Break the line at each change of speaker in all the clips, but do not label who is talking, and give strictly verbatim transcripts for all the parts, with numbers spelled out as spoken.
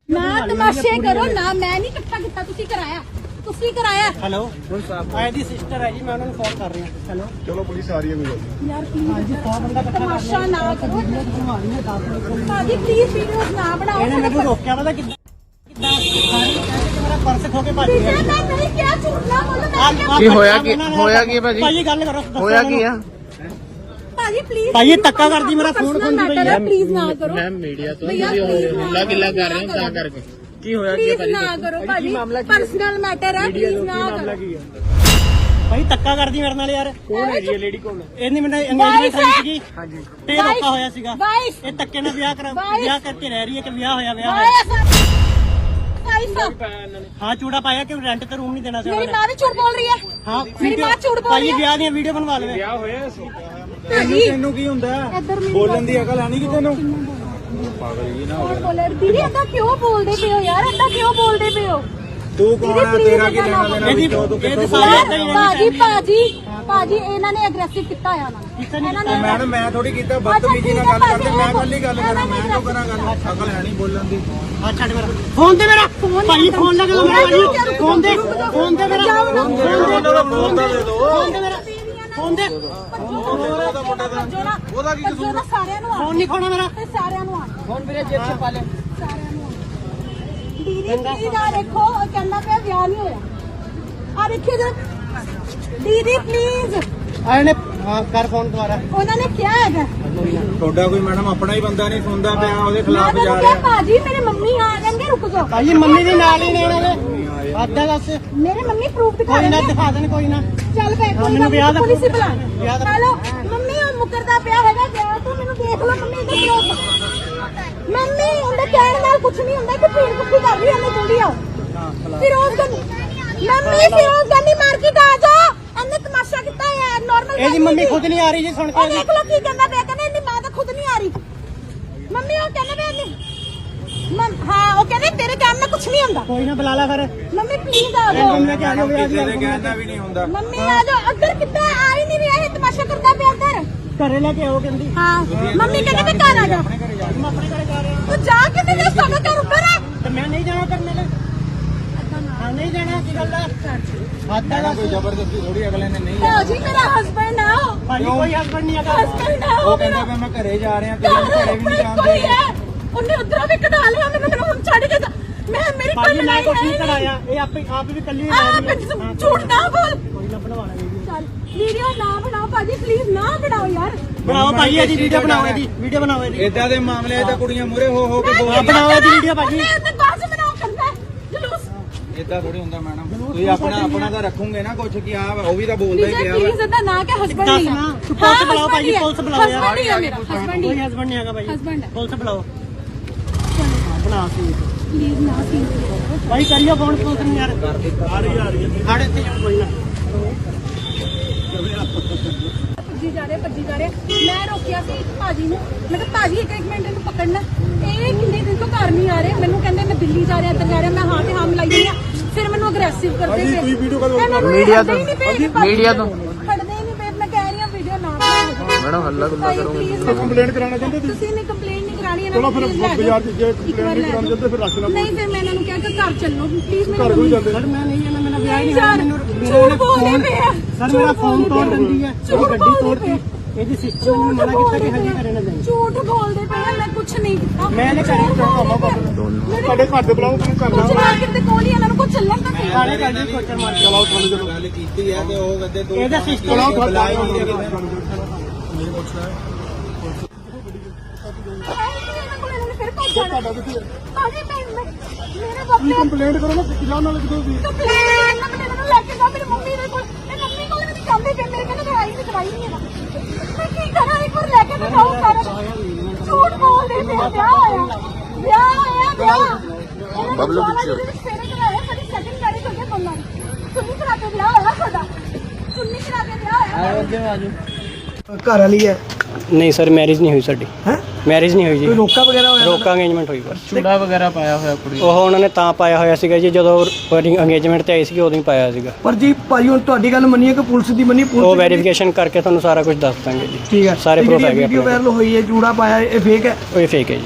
ਨਾ ਤਮਾਸ਼ੇ ਕਰੋ ਨਾ, ਮੈਂ ਨਹੀਂ ਇਕੱਠਾ ਕੀਤਾ, ਤੁਸੀਂ ਕਰਾਇਆ, ਤੁਸੀਂ ਕਰਾਇਆ।
ਹੈਲੋ ਆਏ ਦੀ ਸਿਸਟਰ ਹੈ ਜੀ, ਮੈਂ ਉਹਨਾਂ ਨੂੰ ਫੋਨ ਕਰ ਰਹੀ ਹਾਂ। ਹੈਲੋ
ਚਲੋ ਪੁਲਿਸ ਆ ਰਹੀ ਹੈ ਕੋਈ
ਯਾਰ
ਹਾਂਜੀ ਸੌ ਬੰਦਾ ਇਕੱਠਾ ਕਰ
ਤਮਾਸ਼ਾ ਨਾ ਕਰੋ
ਲਿਆ।
ਭਾਜੀ, ਪਲੀਜ਼ ਵੀਡੀਓਜ਼ ਨਾ ਬਣਾਓ।
ਇਹਨੇ ਮੈਨੂੰ ਰੋਕਿਆ ਪਤਾ ਕਿੱਦਾਂ ਕਿੱਦਾਂ ਸਾਰੀ ਕਹਿੰਦੇ ਕਿ ਮੇਰਾ ਪਰਸ ਖੋ ਕੇ ਭੱਜ
ਵੀਰੇ,
ਗਿਆ।
ਮੈਂ ਨਹੀਂ ਕਿਹਾ, ਝੂਠ ਨਾ ਬੋਲੋ, ਮੈਂ ਕਿਹਾ
ਕੀ ਹੋਇਆ ਕੀ ਹੋਇਆ ਕੀ ਭਾਜੀ
ਭਾਜੀ ਗੱਲ ਕਰੋ, ਦੱਸੋ
ਹੋਇਆ ਕੀ ਆ
ਭਾਜੀ ਪਲੀਜ਼
ਭਾਜੀ ਧੱਕਾ ਕਰਦੀ, ਮੇਰਾ ਫੋਨ ਖੋਂਦੀ ਪਈ ਹੈ।
ਪਲੀਜ਼ ਨਾ ਕਰੋ
ਮੈਂ ਮੀਡੀਆ ਤੋਂ
ਭਈਆ,
ਤੁਸੀਂ
please ਨਾ
ਹੁੱਲਾ ਗਿੱਲਾ ਕਰ ਰਹੇ ਹੋ
ਕਰੋ।
ਤਾਂ ਕਰਕੇ ਕੀ ਹੋਇਆ ਕੀ
ਪਲੀਜ਼
ਭਾਜੀ
ਨਾ ਕਰੋ ਭਾਜੀ, ਪਰਸਨਲ ਮੈਟਰ ਹੈ, ਪਲੀਜ਼ ਨਾ ਕਰੋ।
ਭਾਈ ਧੱਕਾ ਕਰਦੀ ਮੇਰੇ ਨਾਲ ਯਾਰ।
ਕੌਣ ਹੈ ਜੀ
ਲੇਡੀ ਕੌਣ? ਇਹਨੇ ਮੈਨੂੰ ਅੰਗੇਜਮੈਂਟ ਹੋਈ ਸੀਗੀ। ਹਾਂਜੀ ਤੇ ਰੋਕਾ ਹੋਇਆ ਸੀਗਾ।
ਵਾਈਸ
ਇਹ ਧੱਕੇ ਨਾਲ ਵਿਆਹ ਕਰਾ
ਵਾਈਸ।
ਵਿਆਹ ਕਰਕੇ ਰਹਿ ਰਹੀ ਹੈ ਕਿ ਵਿਆਹ ਹੋਇਆ ਵਿਆਹ ਹੋਇਆ।
ਵਾਈਸ
ਹਾਂ ਚੂੜਾ ਪਾਇਆ ਕਿ ਰੈਂਟ ਤੇ ਰੂਮ ਨਹੀਂ ਦੇਣਾ ਸੀ
ਮੇਰੀ
ਉਹਨੇ।
ਮਾਂ ਵੀ ਝੂਠ ਬੋਲ ਰਹੀ ਹੈ।
ਹਾਂ
ਮੇਰੀ ਮਾਂ ਝੂਠ ਬੋਲ ਰਹੀ
ਭਾਈ
ਹੈ।
ਵਿਆਹ ਦੀਆਂ ਵੀਡੀਓ ਬਣਵਾ ਲਵੇ।
ਵਿਆਹ ਹੋਇਆ ਸੀ
ਭਾਜੀ
ਤੈਨੂੰ ਕੀ ਹੁੰਦਾ
ਇੱਧਰ ਮੇਰੀ
ਬੋਲਣ ਦੀ ਅਕਲ ਆਣੀ ਕਿ ਤੈਨੂੰ
ਕੌਣ ਬੋਲੇ? ਦੀਦੀ ਏਦਾਂ ਕਿਉਂ ਬੋਲਦੇ ਪਏ ਹੋ ਯਾਰ, ਏਦਾਂ ਕਿਉਂ ਬੋਲਦੇ ਪਏ ਹੋ?
ਤੂੰ
ਦੀਦੀ ਪਲੀਜ਼ ਏਦਾਂ ਨਾ ਬੋਲੋ।
ਇਹਦੀ ਇਹਦੇ ਸਾਰੇ ਏਦਾਂ ਹੀ
ਭਾਜੀ ਭਾਜੀ ਭਾਜੀ ਇਹਨਾਂ ਨੇ ਅਗਰੈਸਿਵ ਕੀਤਾ ਹੋਇਆ ਨਾ ਇਹਨਾਂ ਨੇ।
ਮੈਡਮ ਮੈਂ ਥੋੜੀ ਕੀਤਾ ਬਦਤਮੀਜ਼ੀ ਨਾਲ ਗੱਲ ਕਰਦੇ, ਮੈਂ ਕੱਲੀ ਗੱਲ ਕਰਾਂ, ਮੈਂ ਕਿਉਂ ਕਰਾਂ ਗੱਲ? ਅਕਲ ਹੈ ਨਹੀਂ ਬੋਲਣ ਦੀ।
ਆ ਛੱਡ ਮੇਰਾ ਫੋਨ ਦੇ ਮੇਰਾ ਭਾਈ ਫੋਨ ਲੱਗ ਲਓ ਮੇਰਾ ਭਾਈ ਫੋਨ ਦੇ ਫੋਨ ਦੇ ਮੇਰਾ ਫੋਨ ਦੇ ਫੋਨ ਦੇ ਫੋਨ ਦੇ ਮੇਰਾ ਫੋਨ ਦੇ
ਉਹਦਾ ਕੀ ਕਸੂਰ? ਸਾਰਿਆਂ ਨੂੰ
ਫੋਨ ਨਹੀਂ ਖੋਣਾ ਮੇਰਾ।
ਤੇ ਸਾਰਿਆਂ ਨੂੰ ਆ
ਫੋਨ ਮੇਰੇ ਜੇਬ 'ਚ ਪਾ ਲੈ।
ਸਾਰਿਆਂ ਨੂੰ ਆ। ਦੀਦੀ ਪਲੀਜ਼ ਆ ਦੇਖੋ, ਉਹ ਕਹਿੰਦਾ ਪਿਆ ਵਿਆਹ ਨਹੀਂ ਹੋਇਆ। ਆ ਦੇਖਿਓ ਜਰਾ ਦੀਦੀ ਪਲੀਜ਼।
ਆ ਇਹਨੇ ਹਾਂ ਕਰ ਫੋਨ ਦੁਬਾਰਾ।
ਉਹਨਾਂ ਨੇ ਕਿਹਾ ਹੈਗਾ
ਤੁਹਾਡਾ ਕੋਈ ਮੈਡਮ ਆਪਣਾ ਹੀ ਬੰਦਾ ਨਹੀਂ ਸੁਣਦਾ ਪਿਆ, ਉਹਦੇ
ਮੈਂ
ਖਿਲਾਫ ਜਾ
ਤੁਹਾਨੂੰ ਕਿਹਾ
ਰਿਹਾ।
ਭਾਜੀ ਮੇਰੇ ਮੰਮੀ ਆ ਜਾਣਗੇ, ਰੁਕ ਜਾਓ।
ਭਾਈ ਮੰਮੀ ਦੇ ਨਾਲ ਹੀ ਨੇ ਇਹਨਾਂ ਦੇ ਆਦਾ ਦੱਸ
ਮੇਰੇ ਮੰਮੀ ਪ੍ਰੂਫ ਦਿਖਾ
ਕੋਈ ਨਾ
ਰਹੇ ਨੇ।
ਦਿਖਾ ਦੇਣ ਕੋਈ ਨਾ।
ਚੱਲ ਬੈ ਕੋਈ
ਮੈਨੂੰ ਵਿਆਹ ਦਾ
ਪੁਲਿਸ ਹੀ ਬੁਲਾ।
ਵਿਆਹ ਦਾ
ਹੈਲੋ ਮੰਮੀ, ਉਹ ਮੁਕਰਦਾ ਪਿਆ ਹੈਗਾ ਗਿਆ, ਤੂੰ ਮੈਨੂੰ ਦੇਖ ਲਓ ਮੰਮੀ ਇੱਧਰ ਕਿਉਂ? ਮੰਮੀ ਉਹਦੇ ਕਹਿਣ ਨਾਲ ਕੁਝ ਨਹੀਂ ਹੁੰਦਾ ਕਿ ਭੀੜ ਕੁੱਤੀ ਕਰ ਰਹੀ ਹੈ, ਇਹਨੇ ਜਲਦੀ ਆਓ। ਫਿਰੋਜ਼ ਗੰਦੀ ਮੰਮੀ, ਫਿਰੋਜ਼ ਗੰਦੀ ਮਾਰਕੀਟ ਆ ਜਾ, ਇਹਨੇ ਤਮਾਸ਼ਾ ਕੀਤਾ ਹੈ ਨਾਰਮਲ।
ਇਹਦੀ ਮੰਮੀ ਖੁਦ ਨਹੀਂ ਆ ਰਹੀ ਜੀ ਸੁਣ
ਉਹ
ਕੇ।
ਦੇਖ ਲਓ ਕੀ ਕਹਿੰਦਾ ਪਿਆ, ਕਹਿੰਦਾ ਇਹਦੀ ਮਾਂ ਤਾਂ ਖੁਦ ਨਹੀਂ ਆ ਰਹੀ। ਮੰਮੀ ਉਹ ਕਹਿੰਦਾ ਪਿਆ ਨਹੀਂ ਹਾਂ, ਉਹ ਕਹਿੰਦੇ ਤੇਰੇ ਕੰਮ ਨਾਲ ਕੁਝ ਨਹੀਂ ਹੁੰਦਾ।
ਕੋਈ ਨਾ ਬੁਲਾ ਲੈ ਫਿਰ।
ਮੰਮੀ ਪਲੀਜ਼ ਆ ਜਾਓ।
ਮੰਮੀ ਕਿ ਆ ਜਾਓ ਵਿਆਹ ਦੀ
ਕਿਸੇ ਦੇ ਕਹਿਣਾ ਵੀ ਨਹੀਂ ਹੁੰਦਾ।
ਮੰਮੀ ਆ ਜਾਓ, ਅੱਧਰ ਕਿੱਦਾਂ ਆ ਹੀ ਨਹੀਂ ਰਿਹਾ, ਇਹ ਤਮਾਸ਼ਾ ਕਰਦਾ ਪਿਆ ਅੰਦਰ।
ਘਰੇ ਲੈ ਕੇ ਆਓ ਕਹਿੰਦੀ।
ਹਾਂ ਮੰਮੀ ਕਹਿੰਦੇ ਮੈਂ ਘਰ ਆ ਜਾ।
ਮੈਂ ਆਪਣੇ ਘਰੇ ਜਾ ਰਿਹਾ
ਤੂੰ ਜਾ ਕਿਤੇ ਜਾ, ਸਾਡਾ ਘਰ ਉੱਪਰ ਹੈ।
ਤੇ ਮੈਂ ਨਹੀਂ ਜਾਣਾ ਕਰਨੇ ਲੈ। ਹਾਂ ਨਹੀਂ ਜਾਣਾ ਕੀ ਗੱਲ ਹੈ? ਆਦਾ
ਮੈਡਮ
ਦੱਸ
ਕੋਈ ਜ਼ਬਰਦਸਤੀ ਥੋੜੀ ਅਗਲੇ ਨੇ ਨਹੀਂ
ਭਾਜੀ ਮੇਰਾ ਹਸਬੰਡ ਆ,
ਭਾਈ ਕੋਈ ਹਸਬੰਡ ਨਹੀਂ ਹੈਗਾ।
ਹਸਬੰਡ ਆ
ਉਹ
ਉਹ
ਕਹਿੰਦਾ
ਮੇਰਾ।
ਵੀ ਮੈਂ ਘਰੇ ਜਾ ਰਿਹਾ, ਤੇ
ਘਰ
ਘਰੇ ਵੀ ਨਹੀਂ
ਉੱਪਰ ਕੋਈ
ਜਾਂਦੇ।
ਹੈ, ਉਹਨੇ ਉਧਰੋਂ ਵੀ ਕਢਾ ਲਿਆ ਮੈਨੂੰ, ਮੈਨੂੰ ਹੁਣ ਛੱਡ ਕੇ ਜਾ। ਮੈਂ ਮੇਰੀ
ਭਾਜੀ
ਕੋਈ
ਮੈਂ
ਲੜਾਈ
ਕੁਛ ਨਹੀਂ
ਹੈ
ਕਰਾਇਆ, ਇਹ ਆਪੇ ਆਪ ਵੀ ਕੱਲੀ
ਆ ਝੂਠ ਨਾ ਬੋਲ।
ਕੋਈ ਨਾ ਬਣਵਾਣਾ ਵੀਡੀਓ।
ਚੱਲ ਵੀਡੀਓ ਨਾ ਬਣਾਓ ਭਾਜੀ, ਪਲੀਜ਼ ਨਾ ਬਣਾਓ ਯਾਰ।
ਬਣਾਓ ਭਾਈ ਇਹਦੀ ਵੀਡੀਓ ਬਣਾਓ, ਇਹਦੀ ਵੀਡੀਓ ਬਣਾਓ ਇਹਦੀ।
ਏਦਾਂ ਦੇ ਮਾਮਲੇ ਤਾਂ ਕੁੜੀਆਂ ਮੂਰੇ ਹੋ ਹੋ ਕੇ
ਮੈਂ
ਬੋਲਦੀਆਂ।
ਬਣਾਓ ਇਹਦੀ ਵੀਡੀਓ ਭਾਜੀ।
ਉਹਨੇ ਉਹਨੇ ਬਾਅਦ ਚ ਬਣਾਓ ਕਰਦਾ ਹੈ, ਜਲੂਸ।
ਏਦਾਂ ਥੋੜੀ ਹੁੰਦਾ ਮੈਡਮ, ਤੁਸੀਂ ਆਪਣਾ ਆਪਣਾ ਤਾਂ ਰੱਖੋਗੇ ਨਾ ਕੁਛ ਕਿ ਆ ਉਹ ਵੀ ਤਾਂ ਬੋਲਦਾ ਹੀ
ਵਿਜੇ
ਪਿਆ
ਪਲੀਜ਼ ਇਹਦਾ ਨਾ ਕਿ ਹਸਬੰਡ
ਦੱਸ
ਨਹੀਂ ਆ।
ਨਾ, ਤੂੰ ਪੁਲਿਸ ਬੁਲਾਓ ਭਾਜੀ, ਪੁਲਿਸ ਬੁਲਾਓ ਯਾਰ।
ਹਸਬੰਡ ਹੀ ਆ ਮੇਰਾ, ਹਸਬੰਡ
ਕੋਈ
ਹੀ।
ਹਸਬੰਡ ਨਹੀਂ ਹੈਗਾ ਭਾਈ।
Husband ਹੈ।
ਪੁਲਿਸ ਬੁਲਾਓ। ਹਾਂ, ਬਣਾ ਸੀ
ਪਲੀਜ਼ ਨਾ ਸੀ।
ਭਾਈ ਕਰਿਓ ਫੋਨ ਪੁਲਿਸ ਨੂੰ ਯਾਰ। ਆ ਰਹੀ ਆ ਰਹੀ ਹੈ। ਸਾਡੇ ਇੱਥੇ ਕੋਈ ਨਾ।
ਭੱਜੀ ਜਾ ਰਹੇ ਭੱਜੀ ਜਾ ਰਹੇ ਮੈਂ ਰੋਕਿਆ ਸੀ ਇੱਕ ਭਾਜੀ ਨੂੰ, ਮੈਂ ਕਿਹਾ ਭਾਜੀ ਇੱਕ ਇੱਕ ਮਿੰਟ ਇਹਨੂੰ ਪਕੜਨਾ। ਇਹ ਕਿੰਨੇ ਦਿਨ ਤੋਂ ਘਰ ਨਹੀਂ ਆ ਰਹੇ, ਮੈਨੂੰ ਕਹਿੰਦੇ ਮੈਂ ਦਿੱਲੀ ਜਾ ਰਿਹਾ, ਇੱਧਰ ਜਾ ਰਿਹਾ। ਮੈਂ ਹਾਂ ਤੇ ਹਾਂ ਮਿਲਾਈ ਆ, ਫਿਰ ਮੈਨੂੰ ਅਗਰੈਸਿਵ ਕਰਦੇ ਪਏ।
ਤੁਸੀਂ ਵੀਡੀਓ ਕਾਲ
ਮੀਡੀਆ ਤੋਂ ਮੀਡੀਆ
ਤੋਂ
ਖੜਦੇ ਹੀ ਨਹੀਂ ਪਏ। ਮੈਂ ਕਹਿ ਰਹੀ ਹਾਂ ਵੀਡੀਓ ਨਾ ਬਣਾਓ
ਮੈਡਮ ਹੱਲਾ ਗੁੱਲਾ ਕਰੋਗੇ। ਕੰਪਲੇਂਟ ਕਰਾਉਣਾ ਚਾਹੁੰਦੇ ਤੁਸੀਂ?
ਤੁਸੀਂ ਨਹੀਂ ਕੰਪਲੇਂਟ ਨਹੀਂ ਕਰਾਣੀ ਇਹਨਾਂ
ਚਲੋ ਫਿਰ
please ਲੈ ਜਾਓ।
ਬਾਜ਼ਾਰ 'ਚ ਜੇ
ਇੱਕ ਵਾਰ
ਕੰਪਲੇਂਟ
ਲੈ
ਕਰਾਉਣ
ਜਾਓ।
ਜਾਂਦੇ ਫਿਰ ਰੱਖ ਲੈਣਾ।
ਨਹੀਂ ਫਿਰ ਮੈਂ ਇਹਨਾਂ ਨੂੰ ਕਿਹਾ ਕਿ ਘਰ ਚੱਲੋ ਪਲੀਜ਼।
ਘਰ ਕੋਈ ਜਾਂਦੇ
ਸਰ ਮੈਂ ਨਹੀਂ ਜਾਣਾ, ਮੇਰਾ ਵਿਆਹ ਹੀ
ਨਹੀਂ
ਨਹੀਂ ਹੋਇਆ।
ਸਰ,
ਮੈਨੂੰ
ਝੂਠ ਬੋਲਦੇ ਪਏ ਆ।
ਸਰ ਮੇਰਾ
ਝੂਠ
ਫੋਨ ਤੋੜ
ਬੋਲਦੇ
ਦਿੰਦੀ ਹੈ,
ਝੂਠ
ਉਹਦੀ ਗੱਡੀ
ਬੋਲਦੇ
ਤੋੜਤੀ। ਇਹਦੀ ਸਿਸਟਰ ਨੇ
ਝੂਠ
ਮਨਾ ਕੀਤਾ ਕਿ
ਬੋਲਦੇ
ਹਜੇ
ਪਏ
ਘਰੇ ਨਾ ਜਾਈਂ।
ਝੂਠ ਬੋਲਦੇ ਪਏ ਆ, ਮੈਂ ਕੁਛ ਨਹੀਂ ਕੀਤਾ।
ਮੈਂ ਨੇ ਕਰੀ
ਸਾਡੇ ਘਰ ਦੇ ਬੁਲਾਓ ਤੁਹਾਨੂੰ
ਕੁਛ
ਕਰਨਾ।
ਨਾ ਕਿਤੇ ਕੋਲ ਹੀ ਇਹਨਾਂ ਨੂੰ ਕੁਛ ਚੱਲਣ ਤਾਂ ਸਹੀ।
ਸਾਰੇ ਗੱਲ ਦੀ ਕੋਚਰ ਮਾਰ ਕੇ
ਚਲਾਓ ਤੁਹਾਨੂੰ ਜਦੋਂ ਗੱਲ ਕੀਤੀ ਹੈ ਤੇ ਉਹ ਕਹਿੰਦੇ ਤੂੰ
ਇਹਦਾ ਸਿਸਟਰ
ਚਲਾਓ
ਚਲਾਓ
ਬੁਲਾਈ
ਇਹਨਾਂ ਕੋਲ ਇਹਨਾਂ ਨੇ ਫਿਰ ਭੱਜ ਜਾਣਾ। ਭਾਜੀ ਮੈਂ ਮੈਂ- ਮੇਰੇ ਬੱਚੇ
ਕੰਪਲੇਂਟ ਕਰੋ ਨਾ ਕਿਲਾ ਨਾਲ ਕਿਦੋਂ ਵੀ
ਕੰਪਲੇਂਟ ਇਹਨਾਂ ਨੇ ਇਹਨਾਂ ਨੂੰ ਲੈ ਕੇ ਜਾ ਮੇਰੀ ਮੰਮੀ ਦੇ ਕੋਲ। ਇਹ ਮੰਮੀ ਕੋਲ ਵੀ ਨਹੀਂ ਜਾਂਦੇ ਪਏ, ਮੇਰੇ ਕਹਿੰਦੇ ਦਵਾਈ ਨਹੀਂ ਦਵਾਈ ਨਹੀਂ ਹੈਗਾ। ਮੈਂ ਕੀ ਕਰਾਂ, ਇੱਕ ਵਾਰ ਲੈ ਕੇ ਤਾਂ ਜਾਓ। ਸਾਰਾ ਝੂਠ ਬੋਲਦੇ ਪਏ ਆ। ਵਿਆਹ ਹੋਇਆ ਵਿਆਹ ਹੋਇਆ ਵਿਆਹ ਬਬਲੂ ਪਿੱਛੇ ਫੇਰੇ ਕਰਾਇਆ। ਸਾਡੀ ਸੈਕਿੰਡ ਮੈਰਿਜ ਹੋ ਗਈ ਦੋਨਾਂ ਦੀ। ਚੁੰਨੀ ਕਰਾ ਕੇ ਵਿਆਹ ਹੋਇਆ ਸਾਡਾ, ਚੁੰਨੀ ਕਰਾ ਕੇ ਵਿਆਹ ਹੋਇਆ।
ਘਰ ਵਾਲੀ ਹੈ
ਨਹੀਂ ਸਰ ਮੈਰਿਜ ਨਹੀਂ ਹੋਈ ਸਾਡੀ।
ਹੈ
ਮੈਰਿਜ ਨਹੀਂ ਹੋਈ ਜੀ।
ਕੋਈ ਰੋਕਾ ਵਗੈਰਾ ਹੋਇਆ?
ਰੋਕਾ ਅੰਗੇਜਮੈਂਟ ਹੋਈ ਬਸ।
ਚੂੜਾ ਵਗੈਰਾ ਪਾਇਆ ਹੋਇਆ ਕੁੜੀ
ਉਹ ਉਹਨਾਂ ਨੇ ਤਾਂ ਪਾਇਆ ਹੋਇਆ ਸੀਗਾ ਜੀ ਜਦੋਂ ਅੰਗੇਜਮੈਂਟ ਤੇ ਆਈ ਸੀ ਉਦੋਂ ਹੀ ਪਾਇਆ ਸੀਗਾ।
ਪਰ ਜੀ ਭਾਈ ਹੁਣ ਤੁਹਾਡੀ ਗੱਲ ਮੰਨੀਏ ਕਿ ਪੁਲਿਸ ਦੀ ਮੰਨੀ ਪੁਲਿਸ
ਉਹ ਵੈਰੀਫਿਕੇਸ਼ਨ ਕਰਕੇ ਤੁਹਾਨੂੰ ਸਾਰਾ ਕੁਝ ਦੱਸ ਦਾਂਗੇ ਜੀ।
ਠੀਕ ਹੈ।
ਸਾਰੇ
ਤੇ
proof
ਜਿਹੜੀ
ਹੈਗੇ
ਵੀਡੀਓ
ਆਪਣੇ
ਵਾਇਰਲ ਹੋਈ ਹੈ ਜੂੜਾ ਪਾਇਆ ਇਹ ਫੇਕ ਹੈ
ਉਹ ਫੇਕ ਹੈ ਜੀ।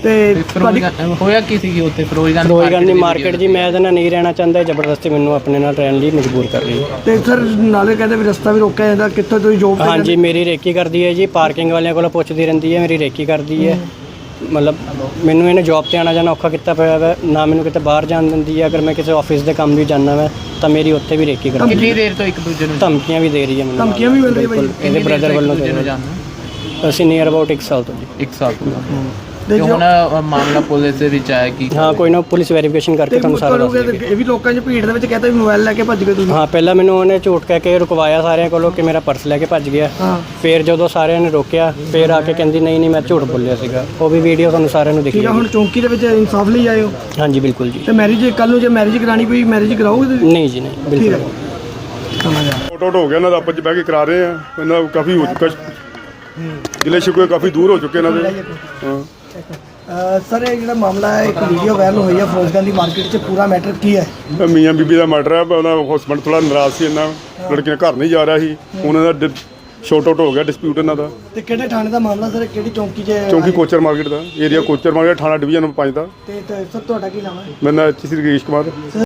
ਤੇ ਤੁਹਾਡੀ
ਹੋਇਆ ਕੀ ਸੀ ਉੱਥੇ ਫਿਰੋਜ਼ਗੰਜ
ਫਿਰੋਜ਼ਗੰਜ ਦੀ ਮਾਰਕੀਟ ਜੀ ਮੈਂ ਇਹਦੇ ਨਾਲ ਨਹੀਂ ਰਹਿਣਾ ਚਾਹੁੰਦਾ ਜ਼ਬਰਦਸਤੀ ਮੈਨੂੰ ਆਪਣੇ ਨਾਲ ਰਹਿਣ ਲਈ ਮਜਬੂਰ ਕਰ ਰਹੀ ਹੈ।
ਤੇ ਸਰ ਨਾਲੇ ਕਹਿੰਦੇ ਵੀ ਰਸਤਾ ਵੀ ਰੋਕਿਆ ਜਾਂਦਾ, ਕਿੱਥੋਂ ਤੁਸੀਂ ਜੋਬ ਤੇ
ਹਾਂਜੀ ਮੇਰੀ ਰੇਕੀ ਕਰਦੀ ਹੈ ਜੀ, ਪਾਰਕਿੰਗ ਵਾਲਿਆਂ ਕੋਲੋਂ ਪੁੱਛਦੀ ਰਹਿੰਦੀ ਹੈ, ਮੇਰੀ ਰੇਕੀ ਕਰਦੀ ਹੈ। ਮਤਲਬ ਮੈਨੂੰ ਇਹਨੇ ਜੌਬ ਤੇ ਆਣਾ ਜਾਣਾ ਔਖਾ ਕੀਤਾ ਪਿਆ ਵਾ, ਨਾ ਮੈਨੂੰ ਕਿਤੇ ਬਾਹਰ ਜਾਣ ਦਿੰਦੀ ਹੈ। ਅਗਰ ਮੈਂ ਕਿਸੇ ਆਫਿਸ ਦੇ ਕੰਮ ਵੀ ਜਾਣਾ ਵਾ ਤਾਂ ਮੇਰੀ ਉੱਥੇ ਵੀ ਰੇਕੀ ਕਰਦੀ
ਕਿੰਨੀ ਦੇਰ ਤੋਂ ਇੱਕ ਦੂਜੇ ਨੂੰ
ਧਮਕੀਆਂ ਵੀ ਦੇ ਰਹੀ ਹੈ ਮੈਨੂੰ।
ਧਮਕੀਆਂ ਵੀ ਮਿਲ ਰਹੀਆਂ ਭਾਈ?
ਇਹਦੇ ਬ੍ਰਦਰ ਵੱਲੋਂ ਦੇ
ਜਾਣਦੇ
ਅਸੀਂ ਨੀਅਰ ਅਬਾਊਟ ਇੱਕ ਸਾਲ ਤੋਂ ਜੀ।
ਇੱਕ ਸਾਲ ਤੋਂ
ਤੇ
ਤੇ ਹੁਣ ਮਾਮਲਾ ਪੁਲਿਸ ਦੇ ਵਿੱਚ ਆਇਆ ਕਿ
ਹਾਂ ਕੋਈ ਨਾ ਪੁਲਿਸ ਵੈਰੀਫਿਕੇਸ਼ਨ ਕਰਕੇ ਤੁਹਾਨੂੰ ਸਾਰਾ ਦੱਸ ਦੇਗੀ।
ਇਹ ਵੀ ਲੋਕਾਂ 'ਚ ਭੀੜ ਦੇ ਵਿੱਚ ਕਹਿੰਦਾ ਵੀ ਮੋਬਾਈਲ ਲੈ ਕੇ ਭੱਜ ਗਏ ਤੁਸੀਂ।
ਹਾਂ ਪਹਿਲਾਂ ਮੈਨੂੰ ਉਹਨੇ ਝੂਠ ਕਹਿ ਕੇ ਰੁਕਵਾਇਆ ਸਾਰਿਆਂ ਕੋਲੋਂ ਕਿ ਮੇਰਾ ਪਰਸ ਲੈ ਕੇ ਭੱਜ ਗਿਆ।
ਹਾਂ
ਫਿਰ ਜਦੋਂ ਸਾਰਿਆਂ ਨੇ ਰੋਕਿਆ ਫਿਰ ਆ ਕੇ ਕਹਿੰਦੀ ਨਹੀਂ ਨਹੀਂ ਮੈਂ ਝੂਠ ਬੋਲਿਆ ਸੀਗਾ। ਉਹ ਵੀ ਵੀਡੀਓ ਤੁਹਾਨੂੰ ਸਾਰਿਆਂ ਨੂੰ ਦਿਖੀ
ਠੀਕ ਆ, ਹੁਣ ਚੌਂਕੀ ਦੇ ਵਿੱਚ ਇਨਸਾਫ ਲਈ ਆਏ ਹੋ
ਹਾਂਜੀ ਬਿਲਕੁਲ ਜੀ।
ਤੇ ਮੈਰਿਜ ਕੱਲ ਨੂੰ ਜੇ ਮੈਰਿਜ ਕਰਾਣੀ ਪਈ ਮੈਰਿਜ ਕਰਾਓਗੇ ਤੁਸੀਂ?
ਨਹੀਂ ਜੀ ਨਹੀਂ
ਠੀਕ
ਬਿਲਕੁਲ
ਹੈ ਸਮਝ ਆ।
ਆਊਟ ਆਊਟ ਹੋ ਗਿਆ ਇਹਨਾਂ ਦਾ, ਆਪਸ ਚ ਬਹਿ ਕੇ ਕਰਾ ਰਹੇ ਆ। ਇਹਨਾਂ ਦਾ ਕਾਫੀ ਹੋ ਚੁੱਕਾ, ਜ਼ਿਲ੍ਹੇ ਸ਼ਿਕਵੇ ਕਾਫੀ ਦੂਰ ਹੋ ਚੁੱਕੇ ਇਹਨਾਂ ਦੇ। ਹਾਂ
ਅਹ ਸਰ ਇਹ ਜਿਹੜਾ ਮਾਮਲਾ ਹੈ, ਇੱਕ ਵੀਡੀਓ ਵਾਇਰਲ ਹੋਈ ਹੈ ਫਿਰੋਜ਼ਗੰਜ ਦੀ ਮਾਰਕੀਟ 'ਚ, ਪੂਰਾ ਮੈਟਰ ਕੀ ਹੈ?
ਇਹ ਮੀਆਂ ਬੀਬੀ ਦਾ ਮਰਡਰ ਹੈ। ਉਹਦਾ ਹਸਬੰਡ ਥੋੜਾ ਨਾਰਾਜ਼ ਸੀ, ਇਹਨਾਂ ਲੜਕੀ ਨੇ ਘਰ ਨਹੀਂ ਜਾ ਰਿਹਾ ਸੀ। ਉਹਨਾਂ ਦਾ ਸ਼ਾਰਟ ਆਊਟ ਹੋ ਗਿਆ ਡਿਸਪਿਊਟ ਇਹਨਾਂ ਦਾ।
ਤੇ ਕਿਹੜੇ ਥਾਣੇ ਦਾ ਮਾਮਲਾ ਸਰ, ਕਿਹੜੀ ਚੌਂਕੀ 'ਚ?
ਚੌਂਕੀ ਕੋਚਰ ਮਾਰਕੀਟ ਦਾ ਏਰੀਆ, ਕੋਚਰ ਮਾਰਕੀਟ ਥਾਣਾ ਡਿਵੀਜ਼ਨ ਨੰਬਰ ਪੰਜ ਦਾ।
ਤੇ ਤੇ ਸਰ ਤੁਹਾਡਾ ਕੀ ਨਾਮ ਹੈ?
ਮੇਰਾ ਨਾਮ ਐਚ ਸੀ ਰਕੇਸ਼ ਕੁਮਾਰ।